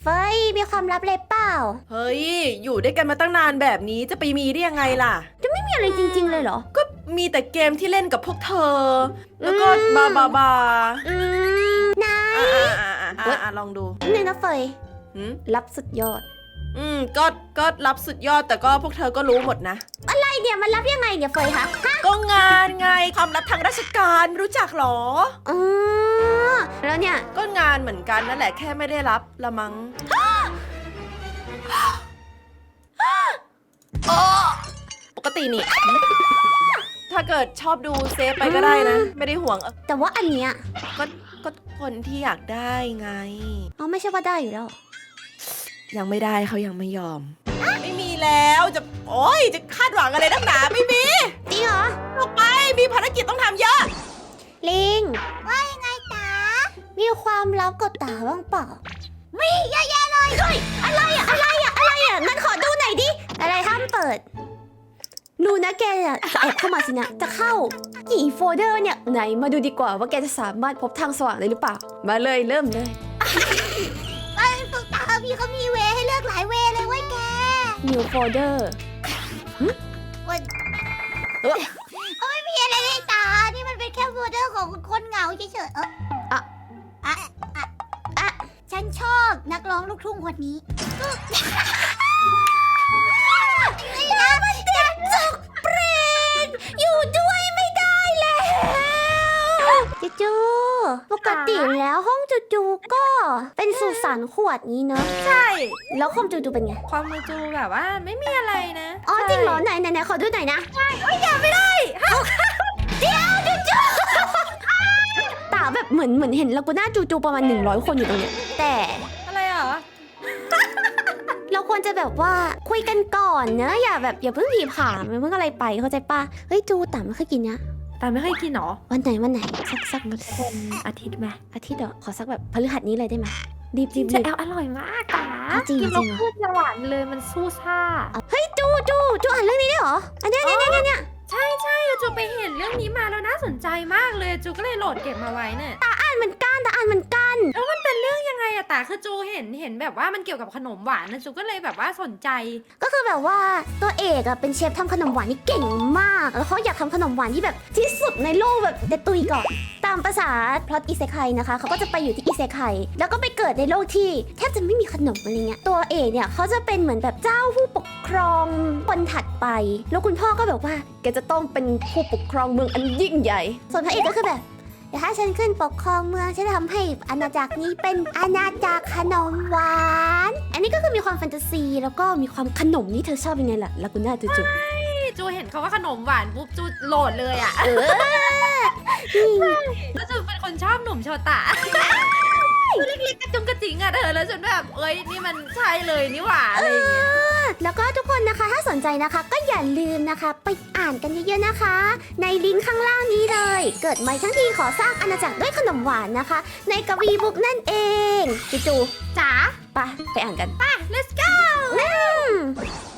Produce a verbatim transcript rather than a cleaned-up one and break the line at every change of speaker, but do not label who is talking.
เฟ้ยมีความลับเลยเปล่า
เฮ้ยอยู่ด้วยกันมาตั้งนานแบบนี้จะไปมีได้ยังไงล่ะ
จะไม่มีอะไรจริงๆเลยเหรอ
ก็มีแต่เกมที่เล่นกับพวกเธอแล้วก็บาบาบา
อืมนาย
อ่าอ่าอ่าอ่าลองดู
นี่นะเฟยลับสุดยอด
อืมก็ก็รับสุดยอดแต่ก็พวกเธอก็รู้หมดนะ
อะไรเนี่ยมันรับยังไงเนี่ยเฟยคะ
ก็งานไงความลับทางราชการรู้จักหรอ
อ๋อแล้วเนี่ย
ก็งานเหมือนกันนั่นแหละแค่ไม่ได้รับละมั้งปกตินี่ถ้าเกิดชอบดูเซฟไปก็ได้นะไม่ได้ห่วง
แต่ว่าอันเนี้ย
ก็ก็คนที่อยากได้ไง
อ๋อไม่ใช่ว่าได้อยู่แล้ว
ยังไม่ได้เขายังไม่ยอมไม่มีแล้วจะโอ๊ยจะคาดหวังอะไรนักหนาไม่มี
จริงเหรอ
ออกไปมีภารกิจต้องทำเยอะ
ลิงว่ายังไงตามีความลับกับตาบ้างเปล่ามีเยอะแยะเลยเฮ้ยอะไรอะอะไรอะอะไรอะงั้นขอดูหน่อยดิอะไรห้ามเปิดดูนะแกอะจะแอบเข้ามาสินะจะเข้ากี่โฟลเดอร์เนี่ยไหนมาดูดีกว่าว่าแกจะสามารถพบทางสว่างได้หรือเปล่ามาเลยเริ่มเลยไอ้ตุ๊กตาพี่เขามีเวให้เลือกหลายเวเลยเว้ยแก New folder มันไม่มีอะไรเลยตานี่มันเป็นแค่โฟลเดอร์ของคนเหงาเฉยๆเอออะอะอะอะฉันชอบนักร้องลูกทุ่งคนนี้นี่นะมันเด็กจุกเปรนอยู่ด้วยไม่ได้แล้วจูจูปกติแล้วห้องจูจูก็เป็นสุสานขวดนี้เนอะ
ใช่
แล้วคอมจูจูเป็นไง
ความมูจูแบบว่าไม่มีอะไรนะ
อ๋อจริงเหรอไหนไหนไหนขอดูหน่อยนะ
ใช่โอ้ยอย่าไม่ได้
เดี๋ยวจูจูตาแบบเหมือนเหมือนเห็นลากูน่าจูจูประมาณหนึ่งร้อยคนอยู่ตรงเนี้ยแต่
อะไรเหรอ
เราควรจะแบบว่าคุยกันก่อนเนอะอย่าแบบอย่าเพิ่งผีผามอย่าเพิ่งอะไรไปเข้าใจป่ะเฮ้ยจูตาไม่เคยกินเนี้ย
ตาไม่เคยกินหรอ
วันไหนวันไหนสักสัก
วันอาทิตย์ไหม
อาทิตย์เหรอขอสักแบบพฤหัสนี้เลยได้ไหมรีบรีบ
จะแอลอร่อยมากตา
จริงจริง
เราพูดหวานเลยมันสู้ซ่า
เฮ้ยจูจูจูอ่านเรื่องนี้ได้เหรออันนี้เนี่ยเนี่ยเนี่ย
ใช่ใช่จูไปเห็นเรื่องนี้มาแล้วน่าสนใจมากเลยจูก็เลยโหลดเก็บมาไว้เนี่ย
ตาอ่านเหมือนกันตาอ่านเหมือนกัน
แล้วมันเป็นเรื่องยังไงอะตาคือจูเห็นเห็นแบบว่ามันเกี่ยวกับขนมหวานนะจูก็เลยแบบว่าสนใจ
ก็คือแบบว่าตัวเอกอะเป็นเชฟทำขนมหวานที่เก่งมากแล้วเขาอยากทำขนมหวานที่แบบที่สุดในโลกแบบเดตุยก่อนตามภาษาพล็อตอิเซไคนะคะเขาก็จะไปอยู่ที่อิเซไคแล้วก็ไปเกิดในโลกที่แทบจะไม่มีขนมอะไรเงี้ยตัวเอกเนี่ยเขาจะเป็นเหมือนแบบเจ้าผู้ปกครองคนถัดไปแล้วคุณพ่อก็แบบว่าแกจะต้องเป็นผู้ปกครองเมืองอันยิ่งใหญ่ส่วนพระเอกก็คือแบบเดี๋ยวถ้าฉันขึ้นปกครองเมืองฉันจะทำให้อาณาจักรนี้เป็นอาณาจักรขนมหวานอันนี้ก็คือมีความแฟนตาซีแล้วก็มีความขนมนี่เธอชอบยังไงล่ะลากูน่าจูจู
จูเห็นเขาว่าขนมหวานปุ๊บจูโหลดเลยอ่ะเออแล้วจูเป็นคนชอบหนุ่มโชตะเล็กๆกระจุงกระจิงอ่ะเธอแล้วฉันแบบเอ้ยนี่มันใช่เลยนี่หว่าอะไรอย่างเงี้ย
แล้วก็ทุกคนนะคะถ้าสนใจนะคะก็อย่าลืมนะคะไปอ่านกันเยอะๆนะคะในลิงก์ข้างล่างนี้เลยเกิดใหม่ทั้งทีขอสร้างอาณาจักรด้วยขนมหวานนะคะในกวีบุ๊กนั่นเองจูจูจ๋าไปไปอ่านกัน
ไป let's go